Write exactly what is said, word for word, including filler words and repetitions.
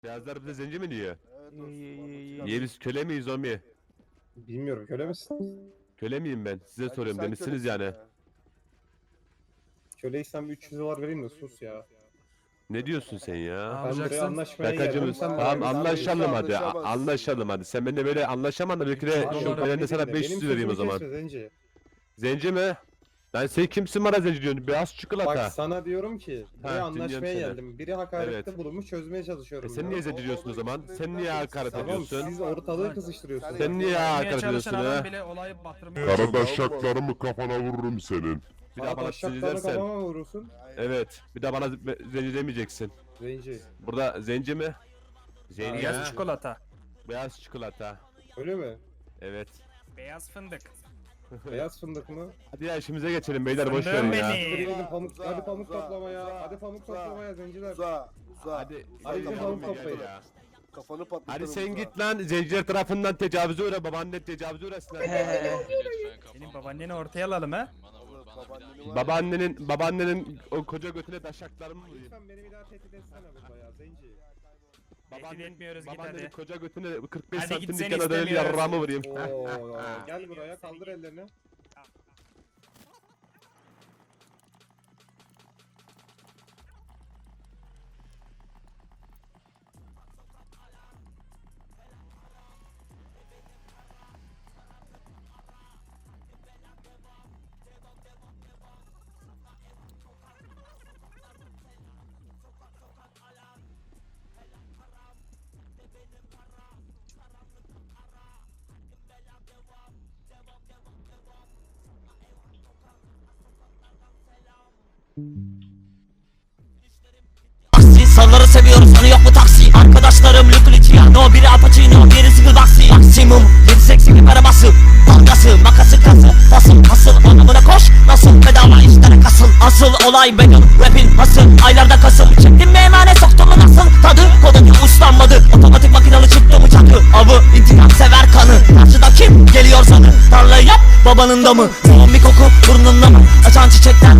Beyazlar bize zenci mi diyor? Evet İyi, iyi, iyi, iyi. dostum. Niye biz köle miyiz Omi? Bilmiyorum, köle misin? Köle miyim ben? Size Bence soruyorum sen demişsiniz kölesin yani. ya. Köleysem bir üç yüz dolar vereyim de sus ya. Ne diyorsun sen ya? Ben Yapacaksın. buraya anlaşmaya Şakacı geldim. mısın? Sen Tamam bana anlaşalım hadi. A- Anlaşamaz. Anlaşalım hadi. Sen benimle böyle anlaşaman da belki de Abi şu bak, kalemde beni sana dinle. beş yüz Benim vereyim o sözümü zaman. kesme Zenci. Zenci mi? Lan sen kimsin bana zenci diyorsun? Beyaz çikolata. Bak sana diyorum ki buraya Ha, anlaşmaya dinliyorum seni. geldim. Biri hakarette Evet. bulunmuş, çözmeye E çalışıyorum. sen ya. niye zenci diyorsun o zaman? Sen niye hakaret Tamam, ediyorsun? Siz ortalığı kızıştırıyorsunuz. Sen niye hakaret ediyorsun çalışan adam ha? bile olayı batırmıyor. Karadaşaklarımı kafana vururum senin. Bir daha Bana bana zenci taşaklarını dersen. kafama vurursun. Evet. Bir daha bana z- zenci demeyeceksin. Zenci. Burada zenci mi? Zenci Beyaz ya. çikolata. Beyaz çikolata. Öyle mi? Evet. Beyaz fındık. Beyaz fındık mı? Hadi ya işimize geçelim beyler boş Fındığım verin ya. beni. Hadi gidin pamuk, Uza, hadi pamuk uza, toplamaya. uza, Hadi pamuk uza. toplamaya zenciler. Uza, uza. Hadi Uza, hadi gidelim kafanı ya. toplayın. ya. Kafanı patlatırım. Hadi sen uza. git lan zenciler tarafından tecavüze uğra babaanne tecavüze uğrasın. Senin babaanneni ortaya alalım ha. Oğlum, babaanneni var ya. Babaannenin babaannenin o koca götüne taşaklarımı vurayım. Lütfen beni bir daha tehdit etsene burada ya Zenci. Tehdit etmiyoruz, git babaannenin hadi. koca götüne kırk beş Hadi git, santimlik seni yana dönüp istemiyoruz. yarrağımı vurayım. Oo, gel buraya kaldır ellerini. Taksi salları seviyoruz hani yok mu taksi. Arkadaşlarım Luke Luciano, biri Al Pacino, biri Sigil Baxi. Maksimum yedi seksen arabası, dalgası, makası, kası, basın asıl anlamına koş. Nasıl bedava işlere kasıl. Asıl olay benim rapin hasıl. Aylarda kasım çektim mi emanet, soktum mu nasıl. Tadı kodumu uslanmadı, otomatik makinalı çıktı mı çakı. Avı intikam sever kanı. Karşıda kim geliyor sanı. Tarlayı yap babanın da mı? Zombi koku burnunda mı? Açan çiçekten